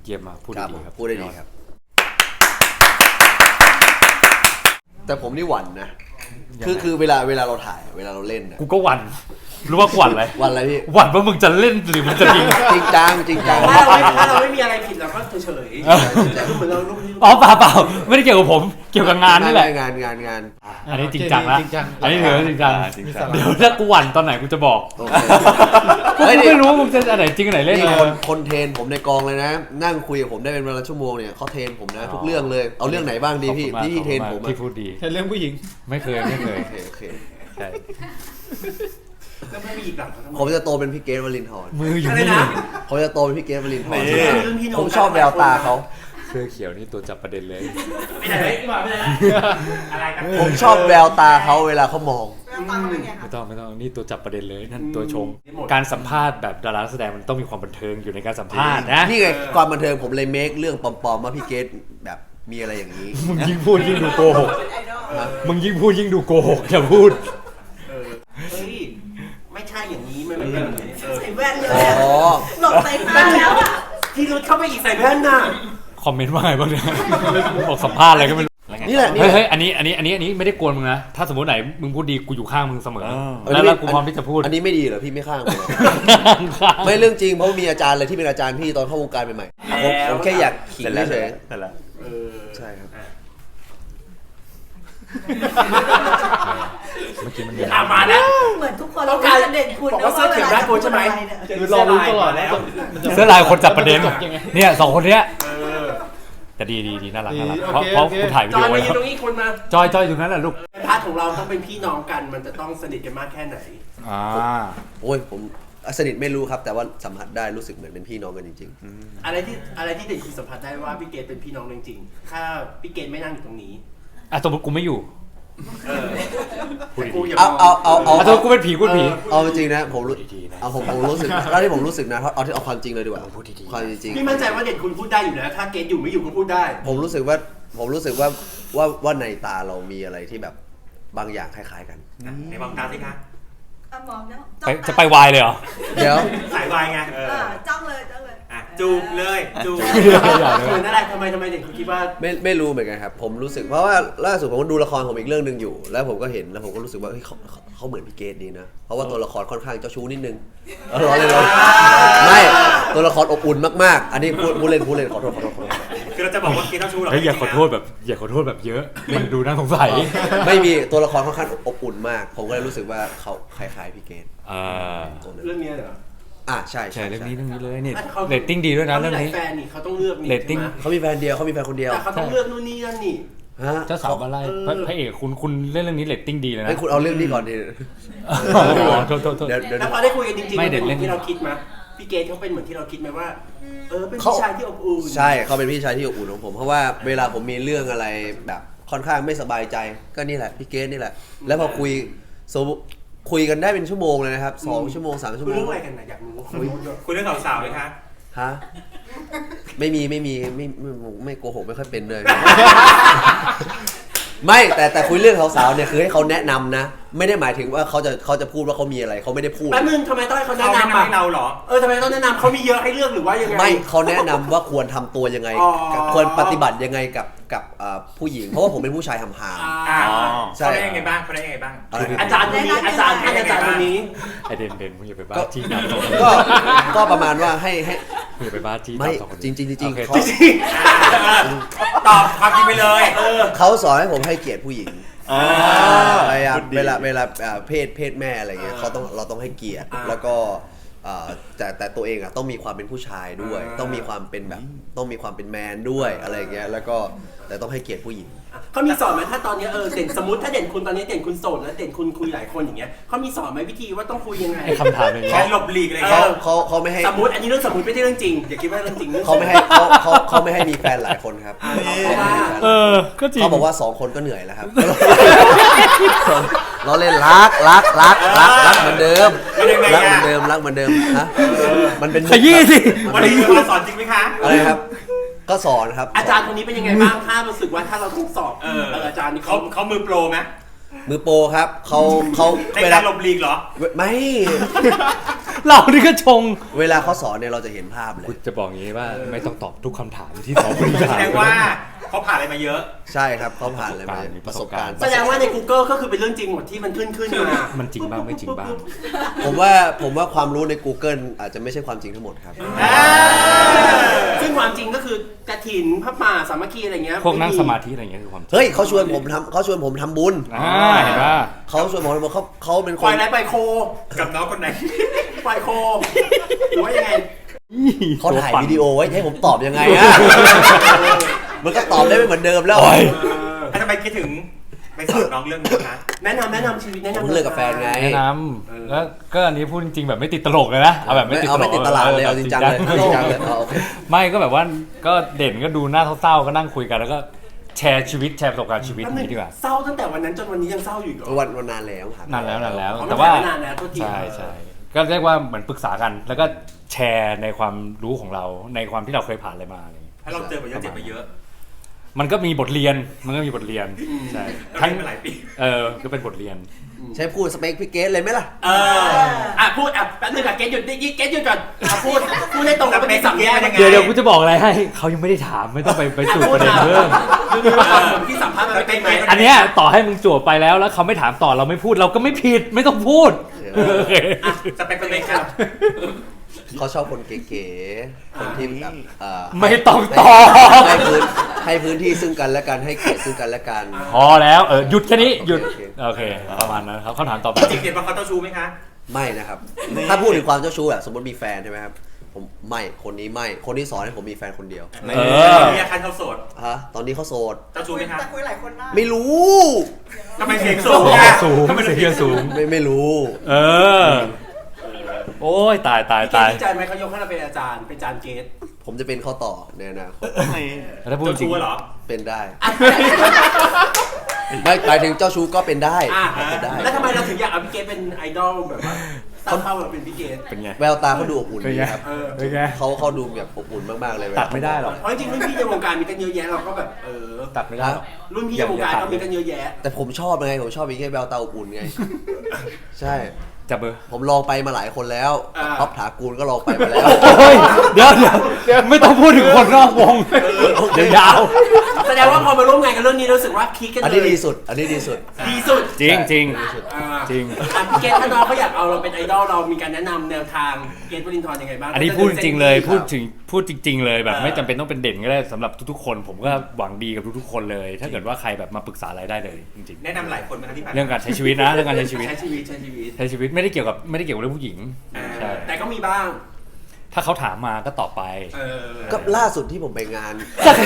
เยี่ยมมากพูดดีครับพูดได้ดีครับแต่ผมนี่หวั่นนะคือเวลาเราถ่ายเวลาเราเล่นกูก็หวั่นรู้ว่าหวั่นอะไรหวั่นอะไรพี่หวั่นว่ามึงจะเล่นหรือมึงจะยิงจริงจังถ้าเราไม่มีอะไรผิดเราก็เฉยๆแต่เหมือนเราลูกอ๋อเปล่าไม่ได้เกี่ยวกับผมเกี่ยวกับงานนี่แหละงานอันนี้จริงจังละอันนี้ถือจริงจังเดี๋ยวถ้ากูหวั่นตอนไหนกูจะบอกกูไม่รู้มึงจะอันไหนจริงอันไหนเล่นคนเทรนผมในกองเลยนะนั่งคุยกับผมได้เป็นเวลาชั่วโมงเนี่ยเขาเทรนผมนะทุกเรื่องเลยเอาเรื่องไหนบ้างดีพี่ที่เทรนผมที่พูดดีเรื่องผู้หญิงไม่เคยโอเคใช่แล้วไม่มีอีกหลังผมจะโตเป็นพี่เกรทวรินทร์มืออยู่นี่ผมจะโตเป็นพี่เกรทวรินทร์ผมชอบแววตาเขาเสื้อเขียวนี่ตัวจับประเด็นเลยไม่ได้อะไรกันผมชอบแววตาเขาเวลาเขามองไม่ต้องนี่ตัวจับประเด็นเลยนั่นตัวชงการสัมภาษณ์แบบดาราแสดงมันต้องมีความบันเทิงอยู่ในการสัมภาษณ์นะนี่ไงความบันเทิงผมเลยเมคเรื่องปลอมๆว่าพี่เกรทแบบมีอะไรอย่างนี้มึงยิ่งพูดยิ่งดูโกหกมึงยิ่งพูดยิ่งดูโกหกอย่าพูดไม่ใช่อย่างนี้มันเป็นใส่แว่นเลยหลบใส่ตาแล้วอ่ะที่รุดเข้าไปอีกใส่แว่นน่ะคอมเมนต์ว่าไงบ้างเนี่ยบอกสัมภาษณ์อะไรก็ไม่รู้นี่แหละเฮ้ยอันนี้ไม่ได้กวนมึงนะถ้าสมมติไหนมึงพูดดีกูอยู่ข้างมึงเสมอแล้วกูพร้อมที่จะพูดอันนี้ไม่ดีเหรอพี่ไม่ข้างผมไม่เรื่องจริงเพราะมีอาจารย์อะไรที่เป็นอาจารย์พี่ตอนเข้าวงการใหม่ๆผมแค่อยากขิงเฉยใช่ครับเมื่อกี้มันมาแล้วเหมือนทุกคนต้องการเด่นคุณบอกว่าเสื้อเขียวได้กูใช่ไหมคือรอรู้ตลอดแล้วเสื้อลายคนจับประเด็นเนี่ย2คนเนี้ยแต่ดีน่ารักเพราะคุณถ่ายวิดีโอไว้ตรงนี้คนมาจอยอยู่นั้นแหละลูกพาร์ทของเราต้องเป็นพี่น้องกันมันจะต้องสนิทกันมากแค่ไหนโอ้ยผมสนิทไม่รู้ครับแต่ว่าสัมผัสได้รู้สึกเหมือนเป็นพี่น้องกันจริงๆอะไรที่เด่นคุณสัมผัสได้ว่าพี่เกดเป็นพี่น้องจริงๆถ้าพี่เกดไม่นั่งอยู่ตรงนี้สมมติกูไม่อยู่เอากูเป็นผีกูผีเอาจริงนะผมรู้สึกแล้วที่ผมรู้สึกนะเอาความจริงเลยดีกว่าความจริงพี่มั่นใจว่าเด่นคุณพูดได้อยู่นะถ้าเกดอยู่ไม่อยู่ก็พูดได้ผมรู้สึกว่าในตาเรามีอะไรที่แบบบางอย่างคล้ายๆกันในมองตาสิคะมองแล้วจะไปวายเลยเหรอเดี๋ยวสายวายไงจ้องเลยจูบเลยจูบนั่นแหละทำไมเด็กเขาคิดว่าไม่รู้เหมือนกันครับผมรู้สึกเพราะว่าล่าสุดผมก็ดูละครผมอีกเรื่องนึงอยู่แล้วผมก็เห็นแล้วผมก็รู้สึกว่าเขาเหมือนพี่เกดดีนะเพราะว่าตัวละครค่อนข้างเจ้าชู้นิดนึงร้อนเลยไม่ตัวละครอบอุ่นมากๆอันนี้พูดเล่นขอโทษคือเราจะบอกว่าเกดเจ้าชู้หรออย่าขอโทษแบบเยอะมันดูน่าสงสัยไม่มีตัวละครค่อนข้างอบอุ่นมากผมก็เลยรู้สึกว่าเขาคล้ายๆพี่เกดเรื่องนี้เหรอใช่เรื่องนี้เลยเนี่ยเรตติ้งดีด้วยนะเรื่องนี้แฟนนี่เขาต้องเลือกเรตติ้งเขามีแฟนเดียวเขามีแฟนคนเดียวแต่เขาต้องเลือกนู่นนี่นั่นนี่เจ้าสาวมาไล่พระเอกคุณเล่นเรื่องนี้เรตติ้งดีเลยนะคุณเอาเรื่องนี้ก่อนดิโทษแล้วพอได้คุยกันจริงๆเป็นที่เราคิดมั้ยพี่เกดเขาเป็นเหมือนที่เราคิดไหมว่าเป็นพี่ชายที่อบอุ่นใช่เขาเป็นพี่ชายที่อบอุ่นของผมเพราะว่าเวลาผมมีเรื่องอะไรแบบค่อนข้างไม่สบายใจก็นี่แหละพี่เกดนี่แหละแล้วพอคุยกันได้เป็นชั่วโมงเลยนะครับ2 ชั่วโมง3 ชั่วโมงคุยเรื่องอะไรกันนะอยากรู้คุยเรื่องสาวๆไหมคะฮะไม่โกหกไม่ค่อยเป็นเลยไม่แต่คุยเรื่องสาวๆเนี่ยคือให้เขาแนะนำนะไม่ได้หมายถึงว่าเขาจะพูดว่าเขามีอะไรเขาไม่ได้พูดแป๊บนึงทำไมต้องให้เขาแนะนำให้เราเหรอทำไมต้องแนะนำเขามีเยอะให้เลือกหรือว่ายังไงไม่เขาแนะนำว่าควรทำตัวยังไงควรปฏิบัติยังไงกับผู้หญิงเพราะว่าผมเป็นผู้ชายหำหามใช่เขาได้ยังไงบ้างอาจารย์คนนี้ไอเด่นมึงอย่าไปบ้าที่นั่นก็ประมาณว่าให้อย่าไปบ้าที่ไม่จริงเขาตอบความจริงไปเลยเขาสอนให้ผมให้เกียรติผู้หญิงพยายามเวลาเพศแม่อะไรเงี้ยเราต้องให้เกียรติแล้วก็แต่ตัวเองต้องมีความเป็นผู้ชายด้วยต้องมีความเป็นแบบต้องมีความเป็นแมนด้วยอะไรเงี้ยแล้วก็แต่ต้องให้เกียรติผู้หญิงเขามีสอนไหมถ้าตอนนี้เด่นสมมติถ้าเด่นคุณตอนนี้เด่นคุณโสดแล้วเด่นคุณคุยหลายคนอย่างเงี้ยเขามีสอนไหมวิธีว่าต้องคุยยังไงคำถามแค่หลบหลีกอะไรเขาไม่ให้สมมติอันนี้เรื่องสมมติไม่ใช่เรื่องจริงอย่าคิดว่าเรื่องจริงเขาไม่ให้มีแฟนหลายคนครับก็จริงเขาบอกว่า2 คนก็เหนื่อยแล้วครับเราเล่นรักเหมือนเดิมรักเหมือนเดิมฮะมันเป็นขยี้สิวันนี้คุณสอนจริงไหมคะอะไรครับก็สอนครับอาจารย์คนนี้เป็นยังไงบ้างถ้ารู้สึกว่าถ้าเราต้องสอบอาจารย์นี่เขามือโปรไหมมือโปรครับเขาในการหลบหลีกเหรอไม่เรานี่ก็ชงเวลาเขาสอนเนี่ยเราจะเห็นภาพเลกูยจะบอกอย่างนี้ว่าไม่ต้องตอบทุกคำถามที่สองคนแสถามดงว่าเขาผ่านอะไรมาเยอะใช่ครับเขาผ่านอะไรมาประสบการณ์แสดงว่าใน Google ก็คือเป็นเรื่องจริงหมดที่มันขึ้นมามันจริงบ้างไม่จริงบ้างผมว่าความรู้ใน Google อาจจะไม่ใช่ความจริงทั้งหมดครับซึ่งความจริงก็คือกฐินพระป่าสามัคคีอะไรเงี้ยพวกนั่งสมาธิอะไรอย่างเงี้ยคือความจริงเฮ้ยเขาชวนผมทำบุญเห็นป่ะเขาชวนผมเขาเป็นคปล่อน ยไหนปล่อยโคกับน้องคนไหนปล่อยโคหรือว่ายังไงเขาถ่ายวิดีโอไว้ให้ผมตอบยังไงอะ มันก็ตอบได้ไม่เหมือนเดิมแล้วทำไมคิดถึงไปสอนน้องเรื่องนี้คะแนะนำชีวิตแนะนำผมเลิกกับแฟนไงแนะนำแล้วก็อันนี้พูดจริงๆแบบไม่ติดตลกเลยนะเอาแบบไม่ติดตลกไม่ติดตลาดเลยเอาจริงจังเลยเอาจริงจังเลยเอาโอเคไม่ก็แบบว่าก็เด่นก็ดูหน้าเศร้าๆก็นั่งคุยกันแล้วก็แชร์ชีวิตแชร์ประสบการณ์ชีวิตนี้ดีกว่าเศร้าตั้งแต่วันนั้นจนวันนี้ยังเศร้าอยู่เหรอวันนานแล้วครับนานแล้วอ๋อแต่ว่านานแล้วโทษทีใช่ก็เรียกว่าเหมือนปรึกษากัน แล้วก็แชร์ในความรู้ของเราในความที่เราเคยผ่านอะไรมาอะไรอย่างเงี้ยถ้าเราเจอมาเยอะเจ็บมาเยอะมันก็มีบทเรียนใช่ทั้งมาหลายปีก็เป็นบทเรียนใช้พูดสเปคพี่เกสเลยไหมล่ะพูดแป๊บนึงเกตหยุดเกตหยุดก่อนพูดให้ตรงกับเป็นสัมแยกเดี๋ยวกูจะบอกอะไรให้เขายังไม่ได้ถามไม่ต้องไปสู่ประเด็นเรื่องที่สัมภาษณ์มันเป็นไหมอันเนี้ยต่อให้มึงจั่วไปแล้วเขาไม่ถามต่อเราไม่พูดเราก็ไม่ผิดไม่ต้องพูดสเปคเป็นไงครับเขาชอบคนเก๋ๆคนที่แบบไม่ต้องตอบให้พื้นที่ซึ่งกันและกันให้เกียรติซึ่งกันและกันพอแล้วหยุดแค่นี้หยุดโอเคโอเคประมาณนั้นครับเขาถามต่อไปจริงๆว่าเขาเจ้าชู้ไหมคะไม่นะครับ ถ้าพูดถึงความเจ้าชู้แบบสมมติมีแฟนใช่ไหมครับผมไม่คนนี้ไม่คนที่สอนให้ผมมีแฟนคนเดียวมีอาการเขาโสดฮะตอนนี้เขาโสดเจ้าชู้ไหมคะแต่คุยหลายคนได้ไม่รู้ทำไมเสียงสูงอะสูงเสียงสูงไม่รู้โอ้ยตายดีใจไหมเขายกให้เราเป็นอาจารย์เป็นอาจารย์เกตผมจะเป็นข้อต่อในอนาคตถ้าพูดเจ้าจริงชู้เหรอเป็นได้ ไม่หมายถึงเจ้าชู้ก็เป็นได้เป็นได้แล้วทำไมเราถึงอยากเอาพี่เกตเป็นไอดอลแบบว่าตั้งเป้าแบบเป็นพี่เกตเป็นไงแววตาเขาดูอบอุ่นดีครับเป็นไงเขาดูแบบอบอุ่นมากๆเลยตัดไม่ได้หรอกเพราะจริงๆรุ่นพี่ในวงการมีกันเยอะแยะเราก็แบบตัดไม่ได้หรอกรุ่นพี่ในวงการก็มีกันเยอะแยะแต่ผมชอบไงผมชอบมีแค่แววตาอบอุ่นไง ใช่จับเบอร์ผมลองไปมาหลายคนแล้วท็อปถากูลก็ลองไปมาแล้วโอ้ยเดี๋ยวไม่ต้องพูดถึงคนนอกวงเดี๋ยวยาวแสดงว่าพอมาร่วมงานกันเรื่องนี้รู้สึกว่าคลิกกันเลยอันนี้ดีสุดดีสุดจริงพี่เกตถ้าน้องเขาอยากเอาเราเป็นไอดอลเรามีการแนะนำแนวทางเกตวรินทร์ยังไงบ้างอันนี้พูดจริงเลยพูดจริง ๆ เลยแบบไม่จำเป็นต้องเป็นเด่นก็ได้สำหรับทุกๆคนผมก็หวังดีกับทุกๆคนเลย ถ้าเกิดว่าใครแบบมาปรึกษาอะไรได้เลยจริงแนะนำหลายคนไหมคะที่ผ่านๆเรื่องการใช้ชีวิตนะเรื่องการใช้ชีวิตใช้ชีวิตใช้ชีวิตไม่ได้เกี่ยวกับเรื่องผู้หญิงใช่แต่ก็มีบ้างถ้าเขาถามมาก็ตอบไปก็ล่าสุดที่ผมไปงาน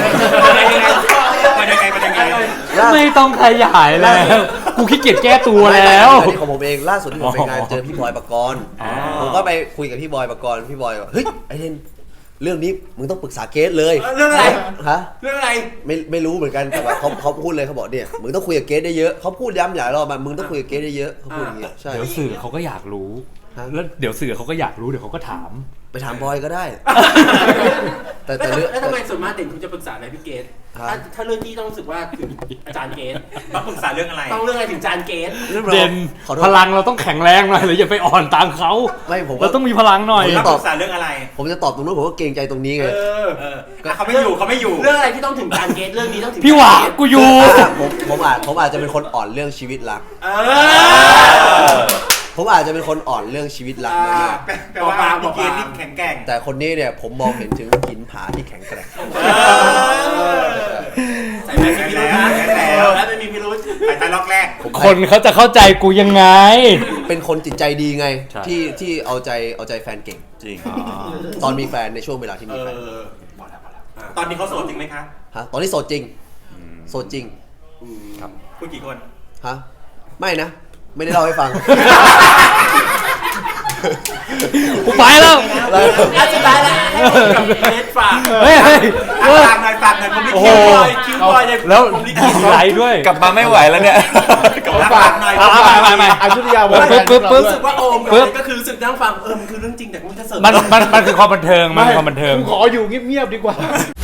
มันยังไงไม่ต้องขยายแล้วกูขี้เกียจแก้ตัวแล้วอันนี้ของผมเองล่าสุดที่ผมไปงานเจอพี่บอยปกรณ์ผมก็ไปคุยกับพี่บอยปกรณ์พี่บอยบอกเฮ้ยไอเทนเรื่องนี้มึงต้องปรึกษาเกสเลยเรื่องอะไรฮะเรื่องอะไรไม่รู้เหมือนกันแต่ว่าเขาพูดเลยเขาบอกเนี่ยมึงต้องคุยกับเกสได้เยอะเขาพูดย้ำหลายรอบมามึงต้องคุยกับเกสได้เยอะเขาพูดอย่างเงี้ยใช่เดี๋ยวสื่อเขาก็อยากรู้แล้วเดี๋ยวสื่อเขาก็อยากรู้เดี๋ยวเขาก็ถามไปถามบอยก็ได้ แต่แล้วทำไมส่วนมากเด่นคุณจะปรึกษาอะไรพี่เกตถ้าเรื่องที่ต้องรู้สึกว่าถึงอาจารย์เกตมาปรึกษาเรื่องอะไรต้องเรื่องอะไรถึงอาจารย์เกตเด่นพลังเราต้องแข็งแรงหน่อยหรืออย่าไปอ่อนตามเขาไม่ผมเราต้องมีพลังหน่อยมาปรึกษาเรื่องอะไรผมจะตอบตรงนู้นผมก็เกรงใจตรงนี้ไงเขาไม่อยู่เรื่องอะไรที่ต้องถึงอาจารย์เกตเรื่องนี้ต้องถึงพี่หวากูอยู่ผมอาจจะเป็นคนอ่อนเรื่องชีวิตรัก ผมอาจจะเป็นคนอ่อนเรื่องชีวิตรักมากแปลว่าพี่เกณฑ์นี่แข็งแกร่งแต่คนนี้เนี่ยผมมองเห็นถึงหินผาที่แข็งแกร่งใส่แมสมีพิรุธนะแล้วไม่มีพิรุธสายตาล็อกแรกคนเขาจะเข้าใจกูยังไงเป็นคนจิตใจดีไงใช่ที่เอาใจแฟนเก่งจริงตอนมีแฟนในช่วงเวลาที่มีแฟนตอนนี้เขาโสดจริงไหมคะฮะตอนนี้โสดจริงโสดจริงคุณกี่คนฮะไม่นะ ไม่ได้เล่าให้ฟังกูไปแล้วสุดท้ายแล้วให้กับเกตฝากเฮ้ยฝากหน่อยผมลิขิตคิวบอยเนี่ยแล้วผมลิขิตไหลด้วยกลับมาไม่ไหวแล้วเนี่ยฝากหน่อยไม่อายุทยาปึ๊บรู้สึกว่าโอมก็คือรู้สึกนั่งฟังมันคือเรื่องจริงแต่มันจะเสริมมันคือความบันเทิงมันคือความบันเทิงขออยู่เงียบๆดีกว่า